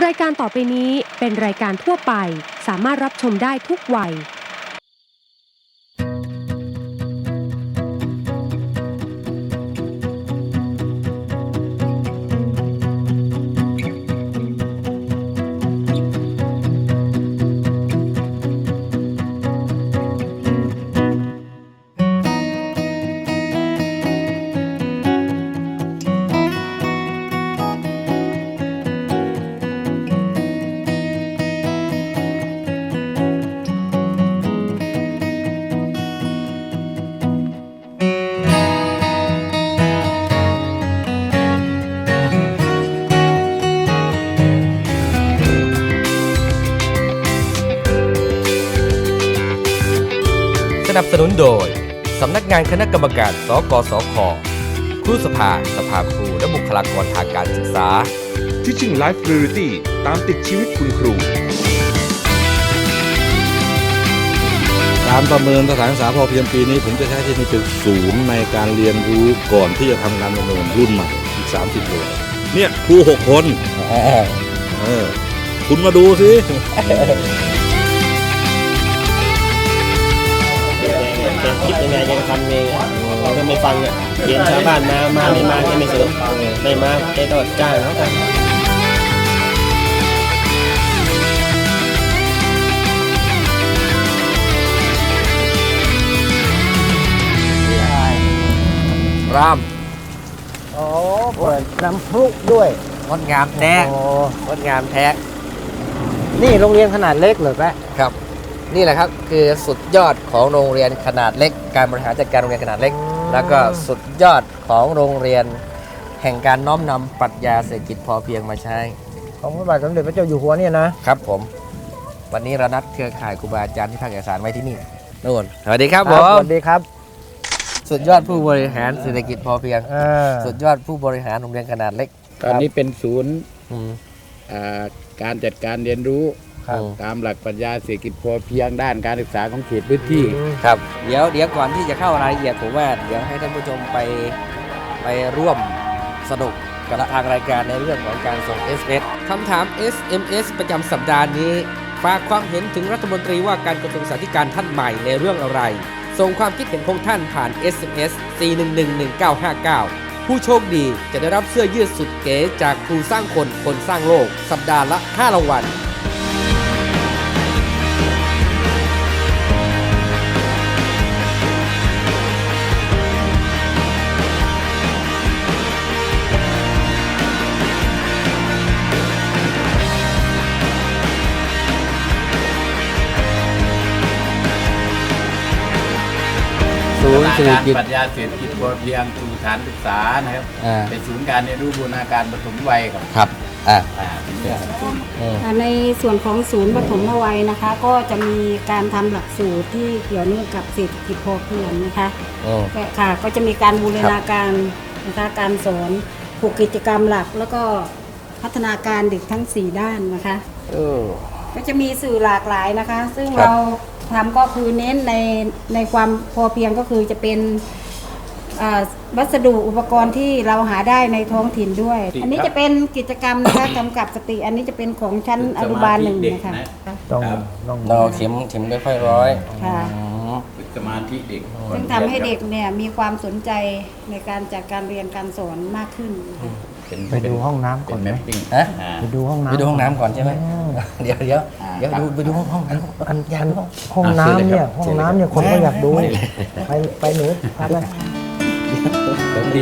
ายการต่อไปนี้เป็นรายการทั่วไปสามารถรับชมได้ทุกวัยสนับสนุนโดยสำนักงานคณะกรรมการ สกสค ครูสภาสภาครูและบุคลากรทางการศึกษา Teaching Life Priority ตามติดชีวิตคุณครูการประเมินสถานศึกษาพอเพียงปีนี้ผมจะใช้ที่นี่เป็นศูนย์ในการเรียนรู้ก่อนที่จะทำการประเมินรุ่นใหม่อีก30โรงเนี่ยครู6 คนคุณมาดูสิจะคิดยังไงยังทำไงเราก็ไม่ฟังอ่ะเรียนชาวบ้านมาไม่มาก็ไม่สนไม่มาแกก็จ้างเขากันรามโอ้เปิดน้ำพลุด้วยงดงามแท้โอ้งดงามแท้นี่โรงเรียนขนาดเล็กเหรอแปะครับนี่แหละครับคือสุดยอดของโรงเรียนขนาดเล็กการบริหารจัดการโรงเรียนขนาดเล็กแล้วก็สุดยอดของโรงเรียนแห่งการน้อมนำปรัชญาเศรษฐกิจพอเพียงมาใช้ของพระบาทสมเด็จพระเจ้าอยู่หัวเนี่ยนะครับผมวันนี้เรานัดเครือข่ายครูบาอาจารย์ที่ภาคอีสานไว้ที่นี่นู่นสวัสดีครับผสมวัสดีครับสุดยอดผู้บริหารเศรษฐกิจพอเพียงอ่าสุดยอดผู้บริหารโรงเรียนขนาดเล็กตอนนี้เป็นศูนย์อืมการจัดการเรียนรู้ครับตามหลักปรัชญาเศรษฐกิจพอเพียงด้านการศึกษาของเขตพื้นที่ครับเดี๋ยวก่อนที่จะเข้ารายละเอียดผมว่าเดี๋ยวให้ท่านผู้ชมไปร่วมสนุกกับทางรายการในเรื่องของการส่ง SMS คำถาม SMS ประจำสัปดาห์นี้ฝากความเห็นถึงรัฐมนตรีว่าการกระทรวงศึกษาธิการท่านใหม่ในเรื่องอะไรส่งความคิดเห็นของท่านผ่าน SMS 4111959 ผู้โชคดีจะได้รับเสื้อยืดสุดเก๋จากครูสร้างคนคนสร้างโลกสัปดาห์ละ5รางวัลศูนย์เศรษฐกิจปรัชญาเศรษฐกิจพอเพียงสู่ฐานศึกษานะครับ เป็นศูนย์การเรียนรู้บูรณาการปฐมวัยครับครับในส่วนของศูนย์ปฐมวัยนะคะ ก็จะมีการทำหลักสูตรที่เกี่ยวเนื่องกับเศรษฐกิจพอเพียงนะคะค่ะก็จะมีการบูรณาการนะคะการสอนผูกกิจกรรมหลักแล้วก็พัฒนาการเด็กทั้ง4ด้านนะคะก็จะมีสื่อหลากหลายนะคะ ซึ่งเราทำก็คือเน้นในความพอเพียงก็คือจะเป็นวัสดุอุปกรณ์ที่เราหาได้ในท้องถิ่นด้วย อันนี้จะเป็นกิจกรรมนะคะกำกับสติอันนี้จะเป็นของชั้นอนุบาล1นะคะต้องเราเข็มไม่ค่อยร้อยค่ะฝึกสมาธิเด็กซึ่งทำให้เด็กเนี่ยมีความสนใจในการจัดการเรียนการสอนมากขึ้นนะคะไปดูห้องน้ำก่อนไหมฮะไปดูห้องน้ำไปดูห้องน้ำก่อนใช่ไหมเดี๋ยวไปดูห้องห้องน้ำเนี่ยห้องน้ำเนี่ยคนก็อยากดูไปหนูพาไปผมดี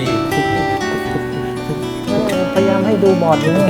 พยายามให้ดูบอร์ดอยู่นี่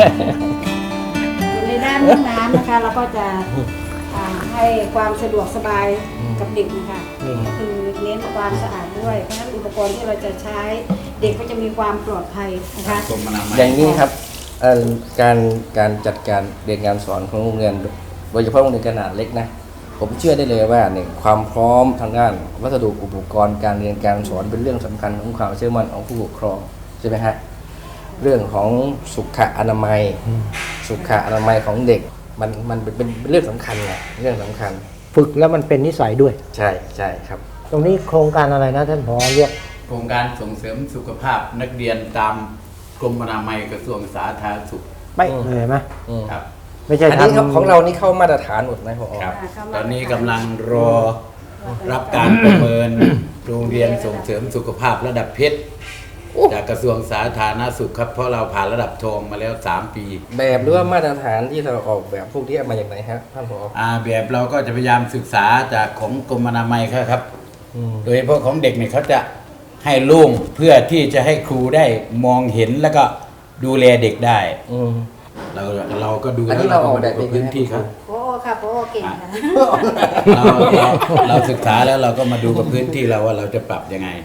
ในด้านห้องน้ำนะคะเราก็จะให้ความสะดวกสบายกับเด็กนะคะก็คือเน้นความสะอาดด้วยเพราะฉะนั้นอุปกรณ์ที่เราจะใช้เด็กก็จะมีความปลอดภัยนะคะอย่างนี้ครับการจัดการเรียนการสอนของโรงเรียนโดยเฉพาะโรงเรียนขนาดเล็กนะผมเชื่อได้เลยว่าเนี่ยความพร้อมทางด้านวัสดุอุปกรณ์การเรียนการสอนเป็นเรื่องสำคัญของความเชื่อมั่นของผู้ปกครองใช่ไหมฮะเรื่องของสุขอนามัยของเด็กมันเป็นเรื่องสำคัญไงเรื่องสำคัญฝึกแล้วมันเป็นนิสัยด้วยใช่ครับตรงนี้โครงการอะไรนะท่านผอเรียกโครงการส่งเสริมสุขภาพนักเรียนตามกรมอนามัยกระทรวงสาธารณสุขไปะเลยเห็นไหมครับไม่ใช่อันนี้ทำของเรานี่เข้ามาตรฐานหมดไหมพอครับ ตอนนี้กำลังรอรับการประเมินโรงเรียนส่งเสริมสุขภาพระดับเพชรจากกระทรวงสาธารณสุขครับเพราะเราผ่านระดับทองมาแล้ว3 ปีแบบหรือว่ามาตรฐานที่เราออกแบบพวกนี้มาจากไหนฮะท่านผอแบบเราก็จะพยายามศึกษาจากของกรมอนามัยครับอืมโดยเฉพาะของเด็กเนี่ยเขาจะให้โล่งเพื่อที่จะให้ครูได้มองเห็นแล้วก็ดูแลเด็กได้อืมเราก็ดูอันนี้แล้วเราออกมาแบบดูเองพื้นที่ครับโอ้ค่ะโอ้เก่งค่ะเราศึกษาแล้วเราก็มาดูกับพื้นที่เราว่าเราจะปรับยังไง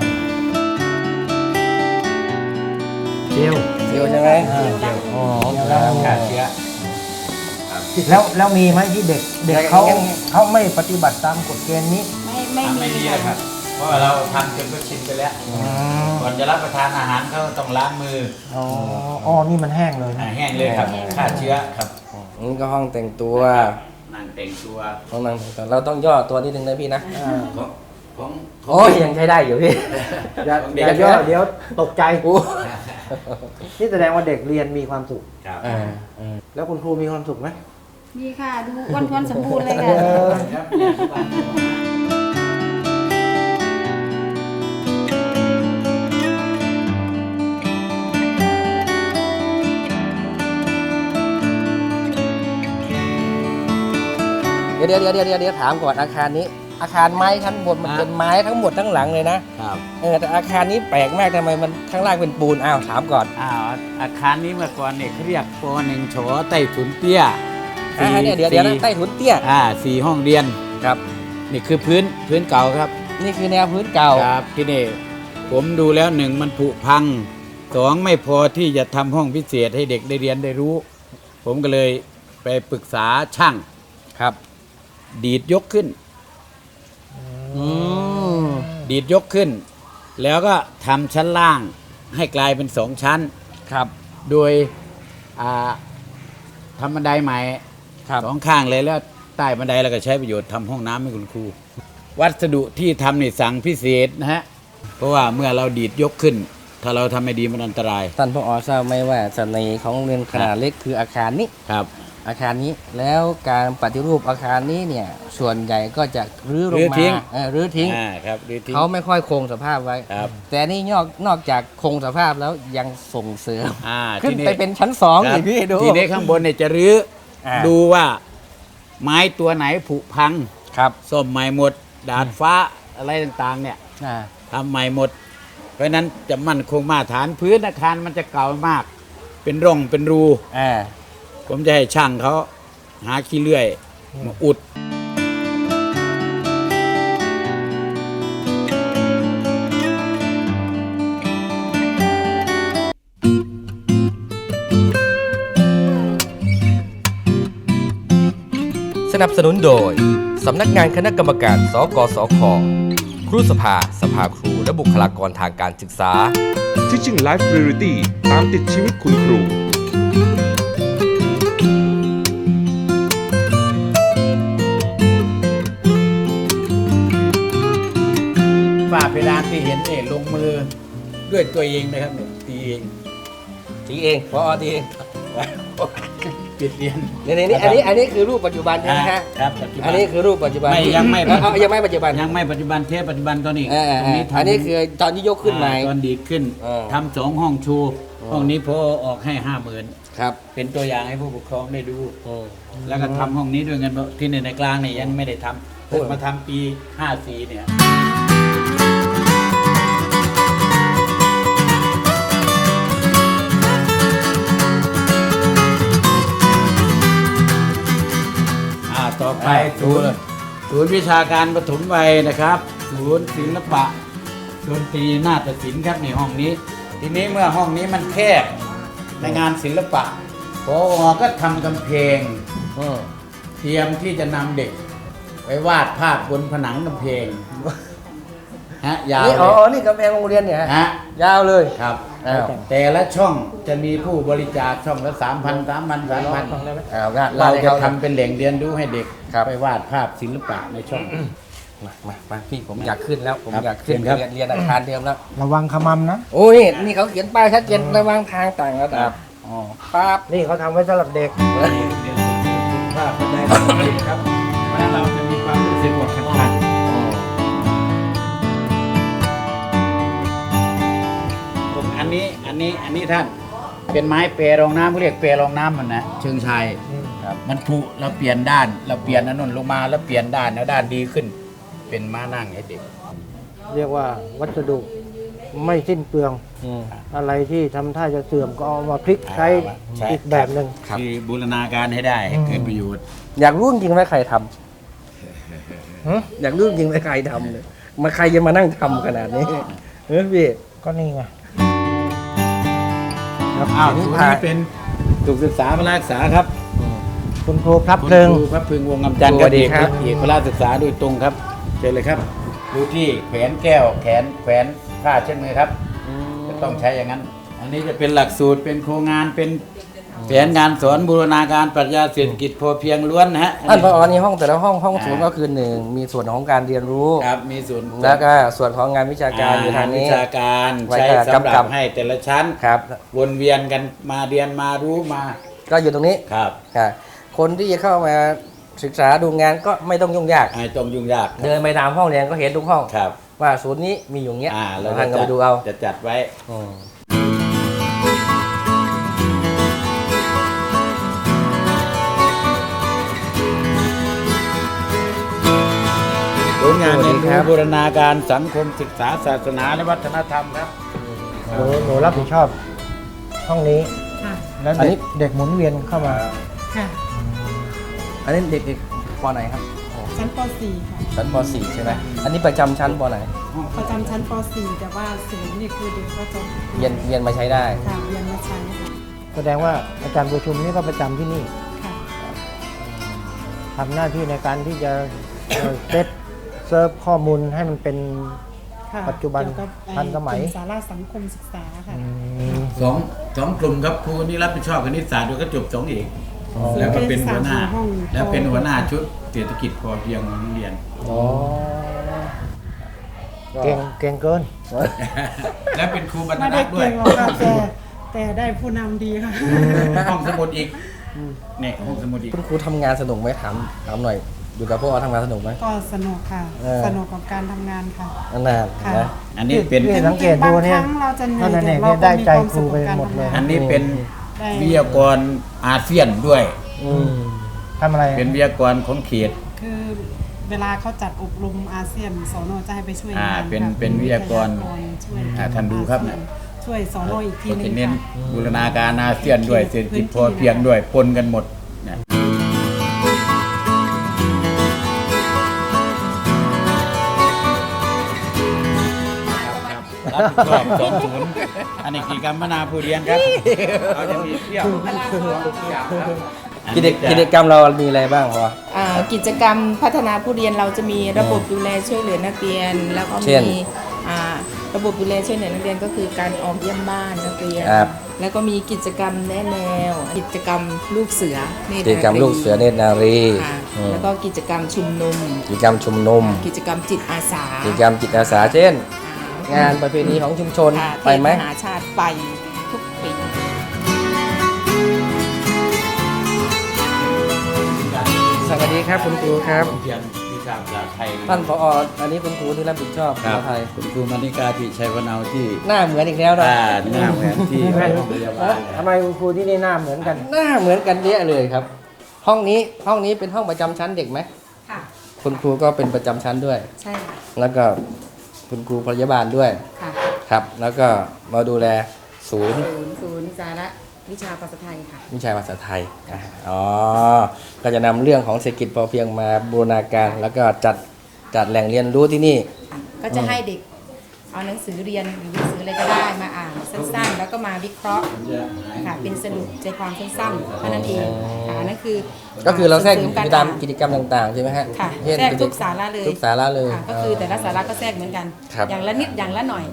เจียวเดียวใช่ไหมอ๋อฆ่าเชื้อแล้วมีไหมที่เด็กเขาไม่ปฏิบัติตามกฎเกณฑ์นี้ไม่ไม่มีมีเลยครับ เพราะว่าเราทำจนก็ชินไปแล้ว ก่อนจะรับประทานอาหารเขาต้องล้างมืออ๋อนี่มันแห้งเลยนะแห้งเลยครับฆ่าเชื้อครับนี่ก็ห้องแต่งตัวนั่งแต่งตัวห้องนั่งแต่งตัวเราต้องย่อตัวนิดนึงนะพี่นะของโอ้ยยังใช้ได้อยู่พี่อย่าย่อเดี๋ยวตกใจนี่แสดงว่าเด็กเรียนมีความสุขครับแล้วคุณครูมีความสุขไหมมีค่ะ ดูอ้วนๆสมบูรณ์เลยค่ะครับเนี่ยทุกวันเดี๋ยวถามก่อนอาคารนี้ อาคารไม้ทั้งหมดมันเป็นไม้ทั้งหมดทั้งหลังเลยนะครับ แต่อาคารนี้แปลกมากทำไมมันข้างล่างเป็นปูนอ้าวถามก่อนอาคารนี้เมื่อก่อนเนี่ยเขาเรียกป.1 ฉอใต้ถุนเตี้ยเนี่ยเดี๋ยวนะใต้ถุนเตี้ย 4 ห้องเรียนครับนี่คือพื้นเก่าครับนี่คือแนวพื้นเก่าครับที่นี่ผมดูแล้ว1มันผุพัง2ไม่พอที่จะทำห้องพิเศษให้เด็กได้เรียนได้รู้ ผมก็เลยไปปรึกษาช่างครับดีดยกขึ้น ดีดยกขึ้น แล้วก็ทำชั้นล่างให้กลายเป็น2 ชั้นครับโดยทำบันไดใหม่ครับ 2 ข้างเลยแล้วใต้บันไดเราก็ใช้ประโยชน์ทำห้องน้ำให้คุณครู วัสดุที่ทำนี่สั่งพิเศษนะฮะเพราะว่าเมื่อเราดีดยกขึ้น ถ้าเราทำไม่ดีมันอันตรายท่านผอทราบไหมว่าเสน่ห์ของโรงเรียนขนาดเล็กคืออาคารนี้ครับอาคารนี้แล้วการปฏิรูปอาคารนี้เนี่ยส่วนใหญ่ก็จะรื้อลงรื้อมาทิ้งรื้อทิ้งครับดีทิ้งเขาไม่ค่อยคงสภาพไว้ครับแต่นี่นอกจากคงสภาพแล้วยังส่งเสริม ขึ้นทีไปเป็นชั้นสองครับอีกพี่ดูทีนี้ข้างบนเนี่ยจะรื้ออา ดูว่าไม้ตัวไหนผุพังครับซ่อมใหม่หมด ดาดฟ้าอะไรต่างๆเนี่ยอ่าทำใหม่หมด เพราะฉะนั้นจะมั่นคงมาตรฐานพื้นอาคารมันจะเก่ามาก เป็นร่องเป็นรู ผมจะให้ช่างเขาหาขี้เลื่อยมาอุดสนับสนุนโดย สำนักงานคณะกรรมการสกสค ครูสภา สภาครู และบุคลากรทางการศึกษา Teaching Life Priority ตามติดชีวิตคุณครูฝ้าเพดานที่เห็นเนี่ยลงมือด้วยตัวเองนะครับเนี่ยตีเองทีเองพอทีเองปิดเรียนนี่อันนี้คือรูปปัจจุบันใช่ไหมฮะครับปัจจุบันอันนี้คือรูปปัจจุบันยังไม่ยังไม่ปัจจุบันยังไม่ปัจจุบันเทปปัจจุบันตอนนี้ ตรงนี้ทำอันนี้คือตอนที่ยกขึ้นใหม่ตอนดีดขึ้นอ่าทำ2 ห้องชู ห้องนี้พอออกให้ 50,000 ครับเป็นตัวอย่างให้ผู้ปกครองได้ดู แล้วก็ทำห้องนี้ด้วยเงินที่ในกลางเนี่ยยังไม่ได้ทำเพิ่งมาทำปี 54 เนี่ย ต่อไปศูนย์วิชาการปฐมวัยนะครับ ศูนย์ศิลปะดนตรีนาฏศิลป์ครับในห้องนี้ ทีนี้เมื่อห้องนี้มันแคบในงานศิลปะพอก็ทำกำแพงเตรียมที่จะนำเด็กไปวาดภาพบนผนังกำแพงฮะยาวนี่เลนี่กำแพงโรงเรียนเนี่ยฮะยาวเลยครับอ้าวแต่ละช่องจะมีผู้บริจาคช่องละ 3,000 เราเราจะจะทำทำเป็นแหล่งเรียนรู้ให้เด็กครับไปวาดภาพศิลปะในช่องมาพี่ผมอยากขึ้นแล้วผมครับอยากขึ้นเชิญครับเรียนอาคารเดิมแล้วระวังขมำนะโอ้ยนี่เขาเขียนป้ายชัดเจนระหว่างทางต่างระดับอ๋อครับนี่เขาทำไว้สำหรับเด็กนี่เรียนสุขภาพบันไดสองสิบครับเพราะฉะนั้นเราจะมีความรู้สึกว่าขัดผมอันนี้ท่านเป็นไม้เปรรองน้ำเขาเรียกเปรรองน้ำมันนะเชิงชัยครับมันผุเราเปลี่ยนด้านเราเปลี่ยนอันนั้นลงมาแล้วเปลี่ยนด้านแล้วด้านดีขึ้น เป็นม้านั่งให้เด็กเรียกว่าวัสดุไม่สิ้นเปลือง อะไรที่ทำท่าจะเสื่อมก็เอามาพลิกใช้อีกแบบหนึ่งคือบูรณาการให้ได้ให้เกิดประโยชน์อยากรู้จริงๆว่าใครทำอยากรู้จริงๆว่าใครทำเนี่ยมาใครจะมานั่งทำขนาดนี้พี่ก็นี่ไงอ้าวศูนย์นี้เป็นสุขศึกษาพละศึกษาครับคุณครูพลับคุณเพลิงครูพระพึงวงศ์งำจันทร์สวัสดีครับเอกพละศึกษาโดยตรงครับเชิญเลยครับดูที่แขวนแก้วแขวนผ้าเช่นมือครับจะต้องใช้อย่างนั้น อันนี้จะเป็นหลักสูตรเป็นโครงงานเป็นแผนงานสอนบูรณาการปรัชญาเศรษฐกิจพอเพียงล้วนนะฮะท่านผอนี่ห้องแต่ละห้องศูนย์ก็คือหนึ่งมีส่วนของการเรียนรู้ครับมีส่วนแล้วก็ส่วนของงานวิชาการอยู่ทางนี้วิชาการไว้ใช้สำหกำกัรับบ ให้แต่ละชั้นครับวนเวียนกันมาเรียนมารู้มาก็อยู่ตรงนี้ครับค่ะคนที่จะเข้ามาศึกษาดูงานก็ไม่ต้องยุ่งยากไอ้ตรงยุ่งยากเดินไปตามห้องเรียนก็เห็นทุกห้องครับว่าศูนย์นี้มีอยู่เงี้ยเราท่านก็ไปดูเอาจะจัดไว้ ผลงานเรียนรู้บูรณาการสังคมศึกษาศาสนาและวัฒนธรรมครับหนูรับผิดชอบห้องนี้ค่ะแล้วอันนี้เด็กหมุนเวียนเข้ามาค่ะอันนี้เด็กๆปไหนครับชั้นป .4 ค่ะชั้นป .4 ใช่ไหมอันนี้ประจำชั้นปไหนประจำชั้นป .4 แต่ว่าศูนย์นี่คือเด็กก็จะเรียนมาใช้ได้ค่ะเรียนมาใช้ค่ะแสดงว่าอาจารย์ประชุมนี่ก็ประจำที่นี่ค่ะทำหน้าที่ในการที่จะเซตเซิร์ฟข้อมูลให้มันเป็นค่ะปัจจุบันเกี่ยวกับทันสมัยกลุ่สาระสังคมศึกษาค่ะสองกลุ่มครับครูนี่รับผิดชอบคณิตศาสตร์ด้วยก็จบ2เอกแล้วก็เป็นหัวหน้าห้องแล้วเป็นหัวหน้าชุดเศรษฐกิจพอเพียงของโรงเรียนเก่งเกินและเป็นครูบรรณไม่รัได้กษ์ด้วเก่ยงหรอกค่ะแต่ได้ผู้นำดีค่ะห้องสมุดอีกเนี่ยห้องสมุดอีกคุณครูทำงานสนุกไหมถามหน่อย อยู่กับพวกเราทำงานสนุกไหมก็สนุกค่ะเออสนุกกับการทำงานค่ะนานค่ะนะอันนี้เป็นพี่สังเกตดูเนี่ยบางครั้งเราจะเหนื่อยนั่นแต่เองเราก็ได้มีใจความครูสุขไปกับการหมดเลยทำงานอันนี้เป็นได้วิทยากรอาเซียนด้วยทำอะไรเป็นวิทยากรของเขตคือเวลาเขาจัดอบรมอาเซียนสนจะให้ไปช่วยงานเป็นค่ะเป็นวิทยากรช่วยท่านดูครับเนี่ยช่วยสนอีกทีเขานึจะงเน้นค่ะบูรณาการอาเซียนด้วยเศรษฐกิจพอเพียงด้วยปนกันหมดเนี่ยรับผิดชอบ20อันนี้กิจกรรมมนาผู้เรียนครับเราจะมีเที่ยวกิจกรรมเรามีอะไรบ้างพอกิจกรรมพัฒนาผู้เรียนเราจะมีระบบดูแลช่วยเหลือนักเรียน แล้วก็เช่นมีระบบดูแลช่วยเหลือนักเรียนก็คือการออกเยี่ยมบ้านนักเรียนครับแล้วก็มีกิจกรรมแนะแนว กิจกรรมลูกเสือเนตกิจกรรมลูกเสือเนตรนารีค่ะอืมแล้วก็กิจกรรมชุมนุมกิจกรรมชุมนุมกิจกรรมจิตอาสากิจกรรมจิตอาสาเช่น งานประเพณีของชุมชนค่ะไปไหมเทศมหาชาติไปทุกปีสวัสดีครับคุณครูครับเพียงวิชาภาษาไทยท่านผออันนี้คุณครูที่รับผิดชอบครัภาบษาไทยคุณครูมานิกาที่ชัยพนาวที่หน้าเหมือนอีกแล้วนะหน้าเหมือนที่โรงพยาบาลทำไมคุณครูที่นี่หน้าเหมือนกันหน้าเหมือนกันเยอะเลยครับ ห้องนี้เป็นห้องประจำชั้นเด็กไหมค่ะคุณครูก็เป็นประจำชั้นด้วยใช่ค่ะแล้วก็คุณครูพยาบาลด้วยค่ะครับ แล้วก็มาดูแลศูนย์ศูนย์สาระวิชาภาษาไทยค่ะวิชาภาษาไทยอ๋อก็จะนำเรื่องของเศรษฐกิจพอเพียงมาบูรณาการ แล้วก็จัดแหล่งเรียนรู้ที่นี่ก็จะให้เด็กเอาหนังสือเรียนหรือหนังสืออะไรก็ได้มาอ่านสั้นๆ แล้วก็มาวิเคราะห์ค่ะเป็นสรุปใจความสั้นๆเท่านั้นเองค่ะนั่นคือก็คือเราแทรกส่กิมจการกรรมอ่านกิจกรรมต่างๆใช่ไหมฮะค่ะเช่นแทรกทุกสาระเลยทุกสาระเลยค่ะก็คือแต่ละสาระก็แทรกเหมือนกันครับอย่างละนิดอย่างละหน่อย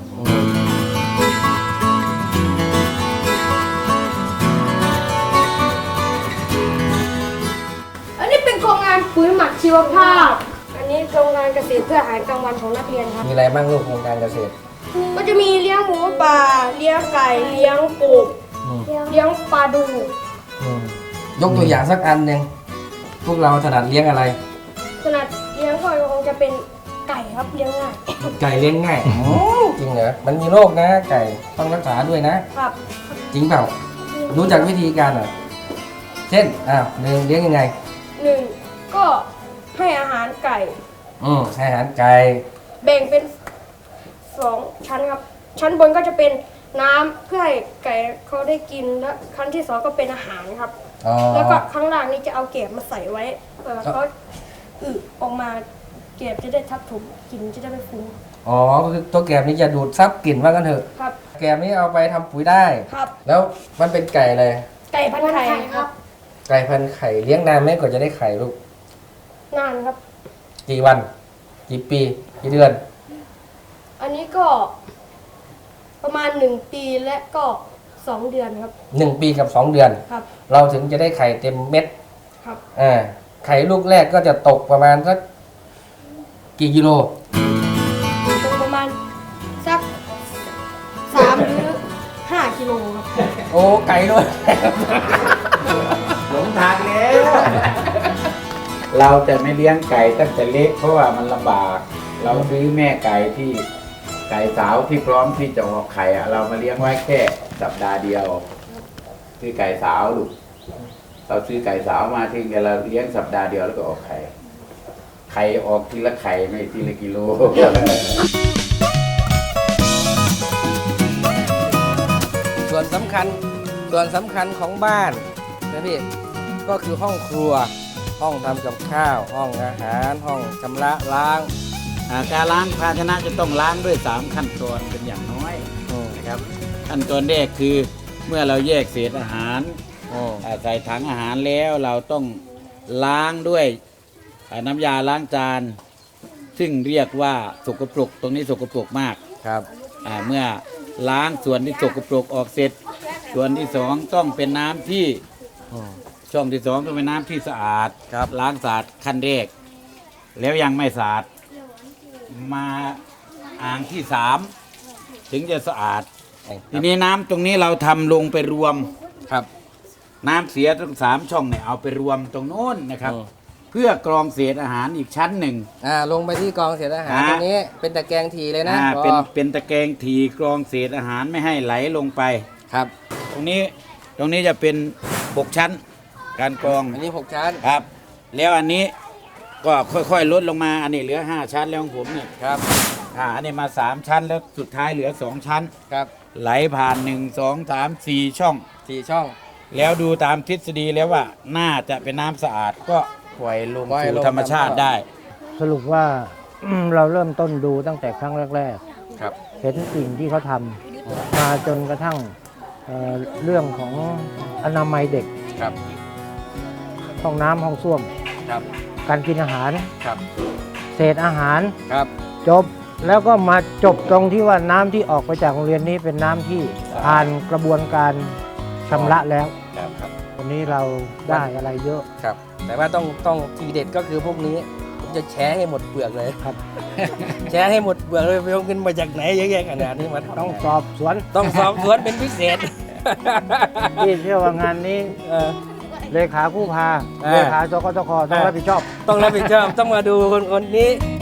อันนี้เป็นโครงงานปุ๋ยหมักชีวภาพ อันนี้โครงงานเกษตรเพื่ออาหารกลางวันของนักเรียนครับมีอะไรบ้างลูกโครงการเกษตรก็จะมีเลี้ยงหมูป่า เลี้ยงไก่ เลี้ยงกบเลี้ยงปลาดูยกตัวอย่างสักอันหนึ่งพวกเราถนัดเลี้ยงอะไรขนาดเลี้ยงก็คงจะเป็นไก่ครับเลี้ยงง่ายไก่เลี้ยงง่ายจริงเหรอมันมีโรคนะ ไก่ต้องรักษาด้วยนะครับจริงเปล่ารู้จักวิธีการเหรอเช่นหนึ่งเลี้ยงยังไงหนึ่งก็ให้อาหารไก่ให้อาหารไก่แบ่งเป็น2ชั้นครับ ชั้นบนก็จะเป็นน้ำเพื่อให้ไก่เขาได้กินและชั้นที่2ก็เป็นอาหารครับอ๋อแล้วก็ข้างล่างนี่จะเอาเก็บมาใส่ไว้เขาออกมาเก็บจะได้ทับถมกินจะได้ไม่ฟุ้งอ๋อก็คือตัวแกบนี้จะดูดซับกลิ่นว่ากันเถอะครับแกบนี้เอาไปทำปุ๋ยได้ครับแล้วมันเป็นไก่อะไรไก่พันธุ์ไข่ครับไก่พันธุ์ไข่เลี้ยงนานไหมกว่าจะได้ไข่ลูกนานครับกี่วัน กี่ปี กี่เดือนอันนี้ก็ประมาณ1 ปีและก็2 เดือนครับ 1 ปีกับ 2 เดือนครับเราถึงจะได้ไข่เต็มเม็ดครับไข่ลูกแรกก็จะตกประมาณสักกี่กิโลตรงประมาณสัก3 หรือ 5 กิโลครับโอ้ไก่ด้วยหลงทางแล้วเราจะไม่เลี้ยงไก่ตั้งแต่เล็กเพราะว่ามันลำบาก เราซื้อแม่ไก่ที่ไก่สาวที่พร้อมที่จะออกไข่อะเรามาเลี้ยงไว้แค่สัปดาห์เดียวซื้อไก่สาวลูกเราซื้อไก่สาวมาทิ้งกันเราเลี้ยงสัปดาห์เดียวแล้วก็ออกไข่ไข่ออกทีละไข่ไม่ทีละกิโลส่วนสำคัญของบ้านนะพี่ก็คือห้องครัว ห้องทำกับข้าว ห้องอาหาร ห้องชำระล้างการล้างภาชนะจะต้องล้างด้วย3ขั้นตอนเป็นอย่างน้อยนะครับขั้นตอนแรกคือเมื่อเราแยกเศษอาหารใส่ถังอาหารแล้วเราต้องล้างด้วยน้ำยาล้างจานซึ่งเรียกว่าสกปรกตรงนี้สกปรกมากครับเมื่อล้างส่วนที่สกปรกออกเสร็จส่วนที่2ต้องเป็นน้ำที่ช่องที่2ต้องเป็นน้ำที่สะอาดล้างสะอาดขั้นแรกแล้วยังไม่สะอาดมาอ่างที่3ถึงจะสะอาดทีนี้น้ำตรงนี้เราทำลงไปรวมครับน้ำเสียทั้ง3ช่องเนี่ยเอาไปรวมตรงโน้นนะครับเพื่อกรองเศษอาหารอีกชั้นหนึ่งลงไปที่กองเศษอาหารตรงนี้เป็นตะแกรงทีเลยนะเป็นตะแกรงทีกรองเศษอาหารไม่ให้ไหลลงไปครับตรงนี้จะเป็น6ชั้นการกรองอันนี้6ชั้นครับแล้วอันนี้ก็ค่อยๆลดลงมาอันนี้เหลือ5ชั้นแล้วของผมนี่ครับอันนี้มา3ชั้นแล้วสุดท้ายเหลือ2ชั้นครับไหลผ่าน1 2 3 4ช่อง 4ช่องแล้วดูตามทฤษฎีแล้วว่าน่าจะเป็นน้ำสะอาดก็ปล่อยลงสู่ธรรมชาติได้สรุปว่า เราเริ่มต้นดูตั้งแต่ครั้งแรกๆครับเห็นสิ่งที่เขาทำมาจนกระทั่งเรื่องของอนามัยเด็กครับห้องน้ำห้องส้วมครับการกินอาหารครับเศษอาหารครับจบแล้วก็มาจบตรงที่ว่าน้ำที่ออกไปจากโรงเรียนนี้เป็นน้ำที่ผ่านกระบวนการชำระแล้วครับวันนี้เราได้อะไรเยอะครับแต่ว่าต้องทีเด็ดก็คือพวกนี้ผมจะแชร์ให้หมดเปลือกเลยครับแชร์ให้หมดเปลือกเลยไปเอาเงินมาจากไหนเยอะแยะขนาดนี้มันต้องสอบสวนเป็นพิเศษที่เชื่อว่างานนี้เลขาผู้พาเลขาจกตคต้องรับผิดชอบต้องมาดูคนนี้